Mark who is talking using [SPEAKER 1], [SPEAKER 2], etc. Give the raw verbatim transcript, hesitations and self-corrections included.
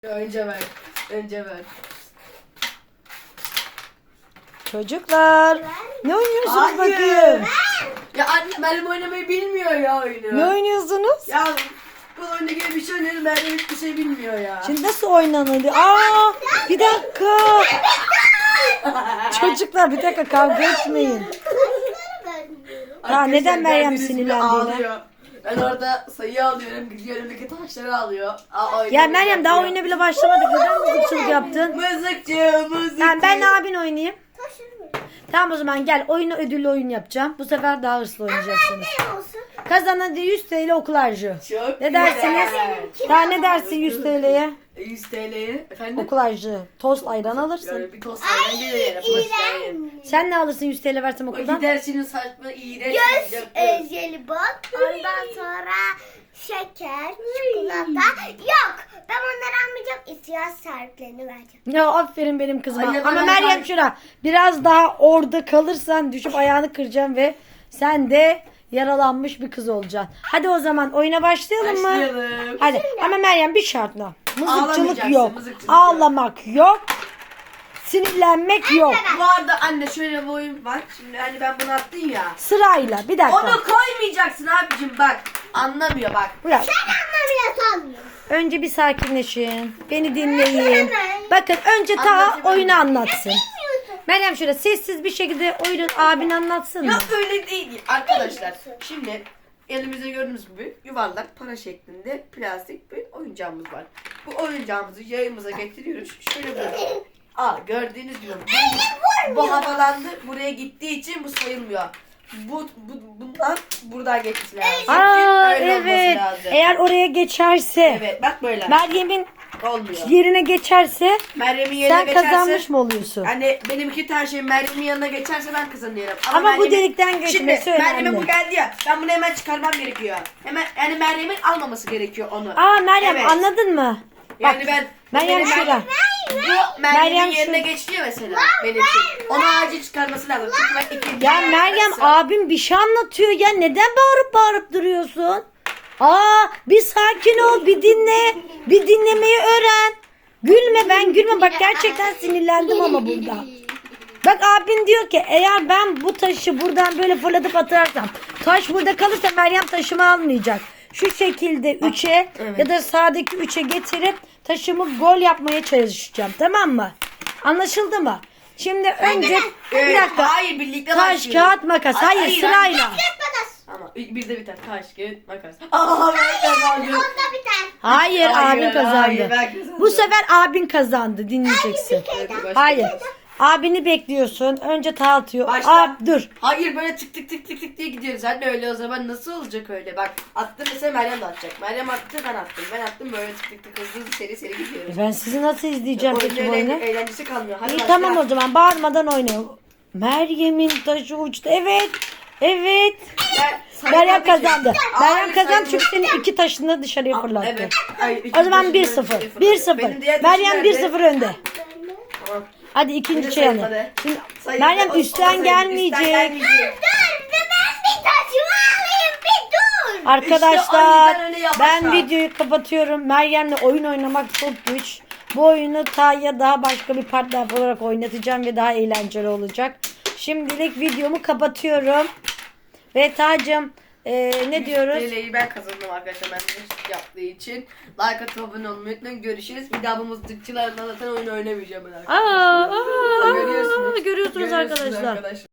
[SPEAKER 1] Önce ver. Önce ver.
[SPEAKER 2] Çocuklar ne oynuyorsunuz
[SPEAKER 1] Hayır.
[SPEAKER 2] bakayım?
[SPEAKER 1] Ya anne benim oynamayı bilmiyor ya oyunu.
[SPEAKER 2] Ne oynuyorsunuz?
[SPEAKER 1] Ya bu oyunda gibi bir şey oynuyorum. Ben hiçbir şey bilmiyor ya.
[SPEAKER 2] Şimdi nasıl oynanılıyor? Aa, bir dakika. Çocuklar bir dakika kavga etmeyin.
[SPEAKER 1] Arkadaşlar,
[SPEAKER 2] neden Meryem
[SPEAKER 1] gördüğünüz gibi
[SPEAKER 2] sinirlendi yine?
[SPEAKER 1] ağlıyor. Ben orada sayı alıyorum. Gidiyor önümdeki taşları alıyor. Aa,
[SPEAKER 2] Ya Meryem daha oyuna bile başlamadık. Neden mızıkçılık yaptın?
[SPEAKER 1] Mızıkçı, mızıkçı.
[SPEAKER 2] Ben, ben abin oynayayım. Tamam o zaman gel oyunu ödüllü oyun yapacağım. Bu sefer daha hırslı oynayacaksınız. Kazanan yüz TL okul harcı.
[SPEAKER 1] Çok
[SPEAKER 2] Ne dersiniz?
[SPEAKER 1] güzel.
[SPEAKER 2] Daha ne dersin yüz TL'ye?
[SPEAKER 1] yüz TL'ye. Efendim?
[SPEAKER 2] Okul harcı. Tost ayran alırsın.
[SPEAKER 1] Yani bir tost ayran gelir yani.
[SPEAKER 2] Sen ne alırsın yüz TL versem
[SPEAKER 1] O
[SPEAKER 2] okuldan?
[SPEAKER 1] gidersiniz saçma iğrenç.
[SPEAKER 3] Göz
[SPEAKER 1] yapıyoruz.
[SPEAKER 3] e, jelibon, ondan sonra şeker, çikolata. Yok, ben onları almayacağım. İhtiyaç sahiplerine vereceğim.
[SPEAKER 2] Ya aferin benim kızıma.
[SPEAKER 1] Anne,
[SPEAKER 2] Ama
[SPEAKER 1] bana
[SPEAKER 2] Meryem
[SPEAKER 1] bak.
[SPEAKER 2] şura biraz daha orada kalırsan düşüp ayağını kıracağım ve sen de yaralanmış bir kız olacaksın. Hadi o zaman oyuna başlayalım mı?
[SPEAKER 1] Başlayalım.
[SPEAKER 2] Hadi ama Meryem bir şartla. Mızıkçılık
[SPEAKER 1] Ağlamayacaksın,
[SPEAKER 2] yok.
[SPEAKER 1] mızıkçılık yok.
[SPEAKER 2] Ağlamak yok. Sinirlenmek yok.
[SPEAKER 1] Bu arada anne şöyle bir oyun var. Şimdi hani ben bunu attım ya.
[SPEAKER 2] Sırayla bir dakika.
[SPEAKER 1] Onu koymayacaksın abicim bak. Anlamıyor bak.
[SPEAKER 2] Bırak.
[SPEAKER 3] Anlamıyor sanmıyorum.
[SPEAKER 2] Önce bir sakinleşin. Beni dinleyin. Bakın önce ta
[SPEAKER 1] Anlatayım.
[SPEAKER 2] oyunu anlatsın. Meryem şöyle sessiz bir şekilde oyunu abin anlatsın mı?
[SPEAKER 1] Yok öyle değil arkadaşlar. Şimdi elimizde gördüğünüz gibi yuvarlak para şeklinde plastik bir oyuncağımız var. Bu oyuncağımızı yayımıza getiriyoruz. Şöyle böyle. Aa gördüğünüz gibi bu, bu havalandı. Buraya gittiği için bu sayılmıyor. Bu, bu bundan buradan geçmesi lazım.
[SPEAKER 2] Aa
[SPEAKER 1] Öyle olması
[SPEAKER 2] evet.
[SPEAKER 1] lazım.
[SPEAKER 2] Eğer oraya geçerse,
[SPEAKER 1] Evet bak böyle.
[SPEAKER 2] Meryem'in
[SPEAKER 1] Olmuyor.
[SPEAKER 2] yerine geçerse
[SPEAKER 1] Meryem'in yerine
[SPEAKER 2] sen
[SPEAKER 1] geçerse.
[SPEAKER 2] kazanmış mı oluyorsun?
[SPEAKER 1] Hani benimki her şey Meryem'in yanına geçerse ben kazanıyorum.
[SPEAKER 2] Ama bu
[SPEAKER 1] Meryem'in-
[SPEAKER 2] delikten geçmesi
[SPEAKER 1] Şimdi
[SPEAKER 2] önemli.
[SPEAKER 1] Meryem'e bu geldi ya. Ben bunu hemen çıkarmam gerekiyor. Hemen yani Meryem'in almaması gerekiyor onu.
[SPEAKER 2] Aa Meryem
[SPEAKER 1] Evet.
[SPEAKER 2] anladın mı?
[SPEAKER 1] Yani
[SPEAKER 2] Bak,
[SPEAKER 1] ben
[SPEAKER 2] Meryem
[SPEAKER 1] benim-
[SPEAKER 2] şurada.
[SPEAKER 1] Bu Meryem'in
[SPEAKER 2] Meryem
[SPEAKER 1] yerine
[SPEAKER 2] şu-
[SPEAKER 1] geçti ya mesela. Benim şey. Onu acil çıkarması lazım. Çünkü ben ikinci
[SPEAKER 2] Ya
[SPEAKER 1] yerine
[SPEAKER 2] Meryem
[SPEAKER 1] çıkarsam-
[SPEAKER 2] abim bir şey anlatıyor ya. Neden bağırıp bağırıp duruyorsun? Aa bir sakin ol, bir dinle. Bir dinlemeyi öğren. Gülme ben gülme. Bak gerçekten sinirlendim ama burada. Bak abin diyor ki eğer ben bu taşı buradan böyle fırlatıp atarsam taş burada kalırsa Meryem taşımı almayacak. Şu şekilde üçe
[SPEAKER 1] Evet.
[SPEAKER 2] ya da sağdaki üçe getirip taşımı gol yapmaya çalışacağım. Tamam mı? Anlaşıldı mı? Şimdi önce bir
[SPEAKER 1] Evet,
[SPEAKER 2] dakika.
[SPEAKER 1] hayır birlikte
[SPEAKER 2] Taş,
[SPEAKER 1] başlıyoruz.
[SPEAKER 2] kağıt, makas. Hayır, sırayla.
[SPEAKER 1] Ama bir de biter. Taş, kağıt, makas. Aa ben kazandım.
[SPEAKER 3] Onda biter.
[SPEAKER 2] Hayır,
[SPEAKER 1] Hayır,
[SPEAKER 2] abin kazandı.
[SPEAKER 1] hayır, ben kazandım.
[SPEAKER 2] Bu sefer abin kazandı. Dinleyeceksin.
[SPEAKER 1] Evet, başlayalım.
[SPEAKER 2] Hayır. Abini bekliyorsun. Önce ta atıyor.
[SPEAKER 1] Başla.
[SPEAKER 2] Ab, dur.
[SPEAKER 1] Hayır böyle tık tık tık tık tık diye gidiyoruz. Anne öyle o zaman nasıl olacak öyle? Bak attı mesela Meryem de atacak. Meryem attı ben attım. Ben attım böyle tık tık tık hızlı hızlı seri seri gidiyoruz.
[SPEAKER 2] Ben sizi nasıl izleyeceğim
[SPEAKER 1] Oyunun
[SPEAKER 2] peki bu oyunu?
[SPEAKER 1] eğlen- eğlencesi kalmıyor. Hadi
[SPEAKER 2] İyi
[SPEAKER 1] başla.
[SPEAKER 2] tamam o zaman bağırmadan oynayalım. Meryem'in taşı uçtu. Evet. Evet.
[SPEAKER 1] Ben-
[SPEAKER 2] Meryem
[SPEAKER 1] saymadı ki.
[SPEAKER 2] kazandı.
[SPEAKER 1] Hayır,
[SPEAKER 2] Meryem kazandı çünkü
[SPEAKER 1] saymadı.
[SPEAKER 2] senin iki taşını dışarıya
[SPEAKER 1] Aa,
[SPEAKER 2] fırlattı.
[SPEAKER 1] Evet. Ay,
[SPEAKER 2] O zaman
[SPEAKER 1] ikinci
[SPEAKER 2] bir
[SPEAKER 1] taşım
[SPEAKER 2] sıfır.
[SPEAKER 1] böyle
[SPEAKER 2] bir
[SPEAKER 1] fırladı.
[SPEAKER 2] sıfır.
[SPEAKER 1] Benim diğer taşım
[SPEAKER 2] Meryem bir
[SPEAKER 1] nerede?
[SPEAKER 2] sıfır önde.
[SPEAKER 1] Tamam.
[SPEAKER 2] Hadi ikinci
[SPEAKER 1] Hadi
[SPEAKER 2] çeyreğe.
[SPEAKER 1] sayın,
[SPEAKER 2] Şimdi
[SPEAKER 1] Sayın-
[SPEAKER 2] Meryem
[SPEAKER 1] o- o
[SPEAKER 2] üstten
[SPEAKER 1] sayın,
[SPEAKER 2] gelmeyecek.
[SPEAKER 1] üstten gelmeyecek.
[SPEAKER 3] Dur, ben bir taşımı alayım bir dur.
[SPEAKER 2] Arkadaşlar
[SPEAKER 1] İşte o yüzden öyle yavaş
[SPEAKER 2] ben
[SPEAKER 1] yap.
[SPEAKER 2] videoyu kapatıyorum. Meryem'le oyun oynamak çok güç. Bu oyunu Tay'a daha başka bir partner olarak oynatacağım ve daha eğlenceli olacak. Şimdilik videomu kapatıyorum. Ve Tay'cığım e, ne diyoruz?
[SPEAKER 1] Dileği ben kazandım arkadaşlar. Ben de yaptığı için. Like atıp abone olmayı unutmayın. Görüşürüz. Bir daha bu mızıkçılarla zaten oyun oynamayacağım ben arkadaşlar.
[SPEAKER 2] Aa, aa,
[SPEAKER 1] Görüyorsunuz.
[SPEAKER 2] görüyorsunuz arkadaşlar.